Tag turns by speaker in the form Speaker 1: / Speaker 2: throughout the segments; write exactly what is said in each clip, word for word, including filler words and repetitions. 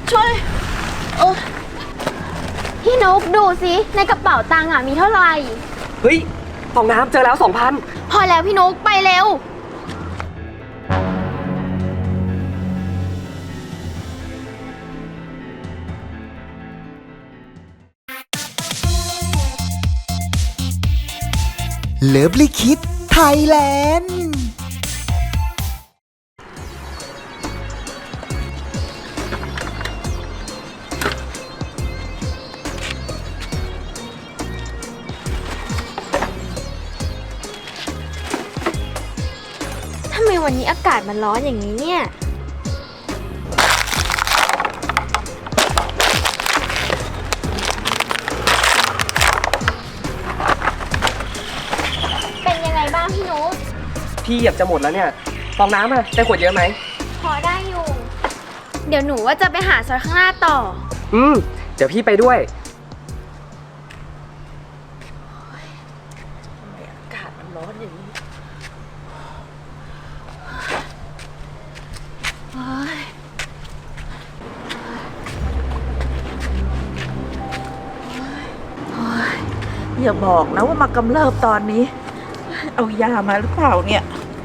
Speaker 1: ช่วยเออ
Speaker 2: พี่นุ๊กดูสิในกระเป๋าตังค์อ่ะมีเท่าไหร่
Speaker 3: เฮ้ยฟองน้ำเจอแล้วสองพัน
Speaker 2: พอแล้วพี่นุ๊กไปเร็ว
Speaker 4: เลิฟลิคิดไทยแลนด์
Speaker 2: ทำไมวันนี้อากาศมันร้อนอย่างนี้เนี่ยเป็นยังไงบ้างพี่นุ๊ก
Speaker 3: พี่เหยียบจะหมดแล้วเนี่ยฟองน้ำอะได้ขวดเยอะไหม
Speaker 2: พอได้อยู่เดี๋ยวหนูว่าจะไปหาซอยข้างหน้าต่อ
Speaker 3: อืมเดี๋ยวพี่ไปด้วย
Speaker 1: อากาศมันร้อนอย่างนี้อย่าบอกนะว่ามากำเริบตอนนี้เอายามาหรือเปล่าเนี่ย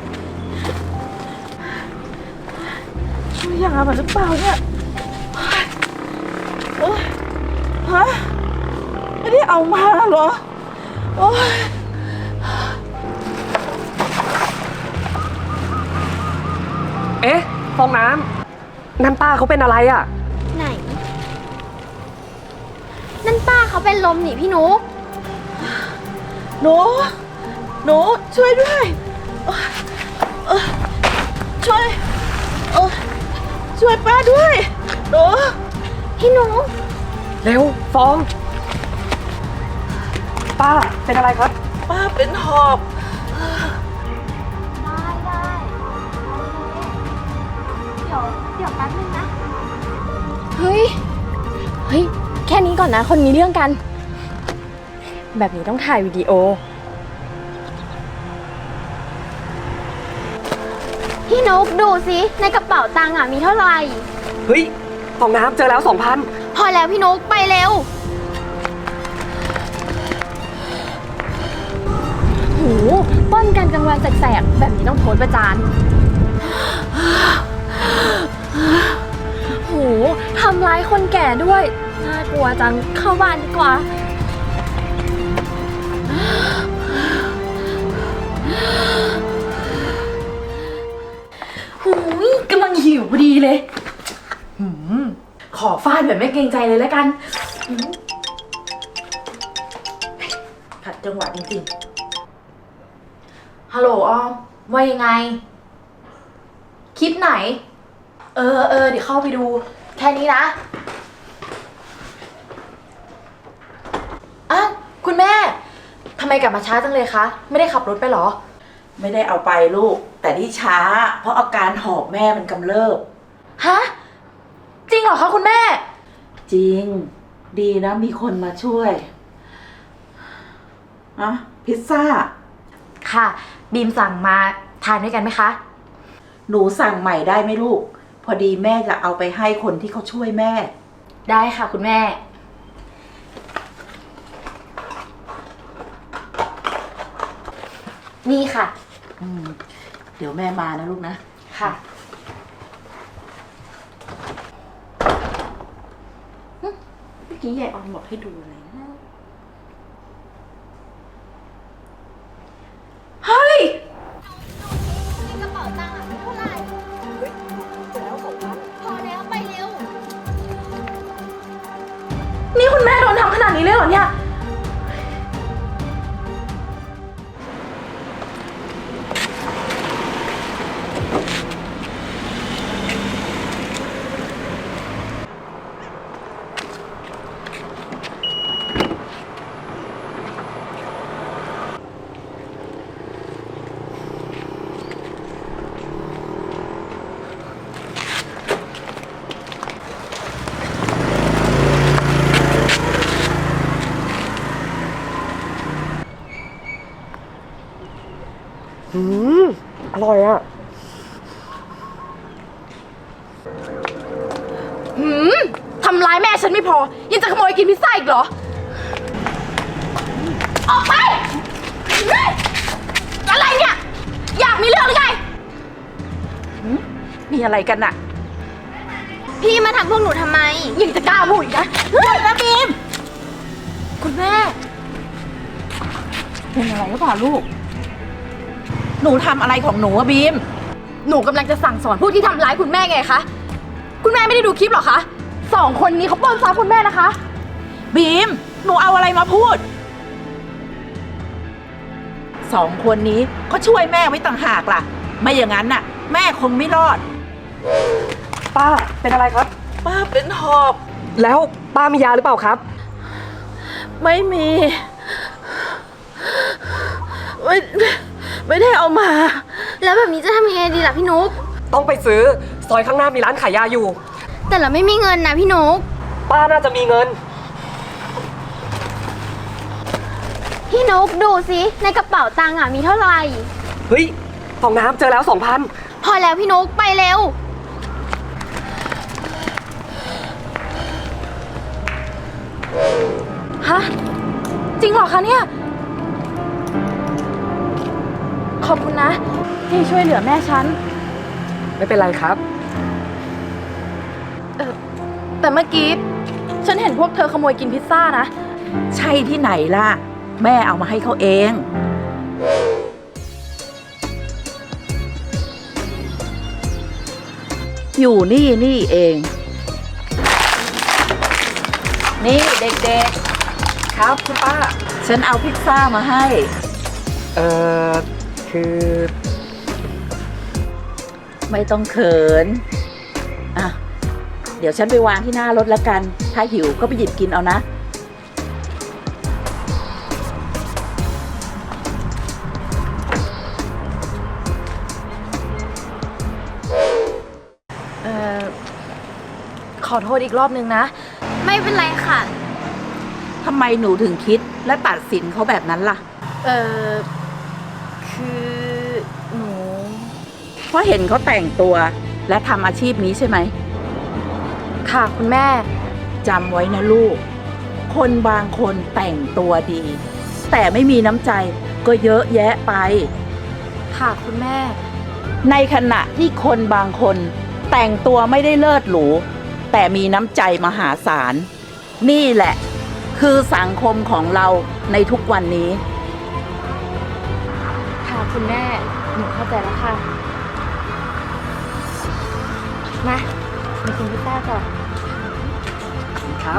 Speaker 1: เอายามาหรือเปล่าเนี่ยโอ๊ยฮะไม่ได้เอามาเหรอโอ๊ย
Speaker 3: เอ๊ะฟองน้ำนั่นป้าเขาเป็นอะไรอะ
Speaker 2: ไหนนั่นป้าเขาเป็นลมนี่พี่นุ๊ก
Speaker 1: หนูหนูช่วยด้วยเออช่วยเออช่วยป้าด้วยหนู
Speaker 2: พี่นุ๊ก
Speaker 3: เร็วฟองป้าเป็นอะไรครับ
Speaker 1: ป้าเป็นหอบ
Speaker 2: ได้ได้เดี๋ยวเดี๋ยวแป๊บนึงนะเฮ้ยเฮ้ยแค่นี้ก่อนนะคนมีเรื่องกันแบบนี้ต้องถ่ายวิดีโอพี่นุ๊กดูสิในกระเป๋าตังค์อ่ะมีเท่าไหร่
Speaker 3: เฮ้ยฟองน้ำเจอแล้วสองพัน
Speaker 2: พอแล้วพี่นุ๊กไปเร็วโหปล้นกันกลางวันแสกๆแบบนี้ต้องโพสต์ประจานโหทำร้ายคนแก่ด้วยน่ากลัวจังเข้าบ้านดีกว่า
Speaker 1: หูยกำลังหิวพอดีเลยหืมขอฟาดแบบไม่เกรงใจเลยแล้วกันขัดจังหวะจริงๆฮัลโหลออมว่ายังไงคลิปไหนเออเออเดี๋ยวเข้าไปดูแค่นี้นะอ้าวคุณแม่ทำไมกลับมาช้าจังเลยคะไม่ได้ขับรถไปหรอ
Speaker 5: ไม่ได้เอาไปลูกแต่ที่ช้าเพราะอาการหอบแม่มันกำเริบ
Speaker 1: ฮะจริงเหรอคะคุณแม่
Speaker 5: จริงดีนะมีคนมาช่วยอะพิซซ่า
Speaker 1: ค่ะบีมสั่งมาทานด้วยกันไหมคะ
Speaker 5: หนูสั่งใหม่ได้ไหมลูกพอดีแม่จะเอาไปให้คนที่เขาช่วยแม่
Speaker 1: ได้ค่ะคุณแม่นี่ค่ะ
Speaker 5: อืมเดี๋ยวแม่มานะลูกนะ
Speaker 1: ค่ะเมื่อกี้ยายออนบอกให้ดูอะไรนะเฮ้ย
Speaker 2: ในกระเป๋าตังค์อ่ะมีเท่าไหร่เฮ้ยเจอแล้วสองพันพอแล้วไปเร็ว
Speaker 1: นี่คุณแม่โดนทำขนาดนี้เลยเหรอเนี่ย
Speaker 3: อืมอร่อยอ่ะ
Speaker 2: หืมำร้ายแม่ฉันไม่พอ ยังจะขโมยกินพิซซ่าอีกเหรอ ออกไปเฮ้ยอะไรเนี่ย อยากมีเรื่องหรือไง
Speaker 5: มีอะไรกันน่ะ
Speaker 2: พี่มาทำพวกหนูทำไม ยังจะกล้าพูดอีกนะเฮ้ยนะบีม คุณแม่
Speaker 5: เป็นอะไรหรือเปล่าลูก หนูทำอะไรของหนูอะบีม
Speaker 2: หนูกำลังจะสั่งสอนพวกที่ทำร้ายคุณแม่ไงคะ คุณแม่ไม่ได้ดูคลิปหรอคะ สองคนนี้เขาปล้นทรัพย์คุณแม่นะคะ
Speaker 5: บีม หนูเอาอะไรมาพูด สองคนนี้ก็ช่วยแม่ไว้ต่างหากล่ะ ไม่อย่างนั้นน่ะ แม่คงไม่รอด
Speaker 3: ป้าเป็นอะไรครับ
Speaker 1: ป้าเป็นหอบ
Speaker 3: แล้วป้ามียาหรือเปล่าครับ
Speaker 1: ไม่มี ไม่ไม่ได้เอามา
Speaker 2: แล้วแบบนี้จะทำยังไงดีล่ะพี่นุ๊ก
Speaker 3: ต้องไปซื้อซอยข้างหน้ามีร้านขายยาอยู่
Speaker 2: แต่เราไม่มีเงินนะพี่นุ๊ก
Speaker 3: ป้าน่าจะมีเงิน
Speaker 2: พี่นุ๊กดูสิในกระเป๋าตังค์อ่ะมีเท่าไหร่
Speaker 3: เฮ้ยฟองน้ำเจอแล้วสองพัน
Speaker 2: พอแล้วพี่นุ๊กไปเร็ว ฮะ จริงเหรอคะเนี่ย ขอบคุณนะ ที่ช่วยเหลือแม่ฉัน
Speaker 3: ไม่เป็นไรครับ
Speaker 2: เออแต่เมื่อกี้ ฉันเห็นพวกเธอขโมยกินพิซซ่านะ
Speaker 5: ใช่ที่ไหนล่ะ แม่เอามาให้เขาเอง อยู่นี่นี่เอง นี่เด็ก
Speaker 3: ครับคุณป้า
Speaker 5: ๆ ฉันเอาพิซซ่ามาให้
Speaker 3: เอ่อ คือ
Speaker 5: ไม่ต้องเขิน อ่ะ เดี๋ยวฉันไปวางที่หน้ารถแล้วกัน ถ้าหิวก็ไปหยิบกินเอานะ
Speaker 2: เออขอโทษอีกรอบนึงนะ ไม่เป็นไรค่ะ
Speaker 5: ทำไมหนูถึงคิดและตัดสินเขาแบบนั้นล่ะ
Speaker 2: เออคือหนู
Speaker 5: เพราะเห็นเขาแต่งตัวและทำอาชีพนี้ใช่ไหม
Speaker 2: ค่ะคุณแม่
Speaker 5: จำไว้นะลูก คนบางคนแต่งตัวดี แต่ไม่มีน้ำใจก็เยอะแยะไป
Speaker 2: ค่ะคุณแม่
Speaker 5: ในขณะที่คนบางคนแต่งตัวไม่ได้เลิศหรู แต่มีน้ำใจมหาศาล นี่แหละ คือสังคมของเราในทุกวันนี้
Speaker 2: ค่ะคุณแม่ หนูเข้าใจแล้วค่ะ มามากินพิซซ่าก่อน
Speaker 3: ครับ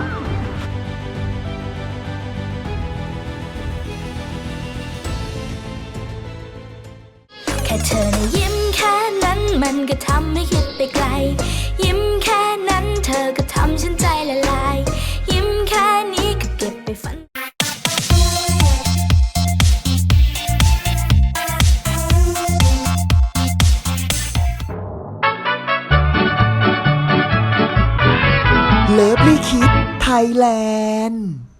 Speaker 6: แค่เธอนะยิ้มแค่นั้นมันก็ทำให้คิดไปไกล ยิ้มแค่นั้นเธอก็ทำฉันใจละลาย ยิ้มแค่นี้ก็เก็บไปฝัน
Speaker 4: เลิฟลี่คิดไทยแลนด์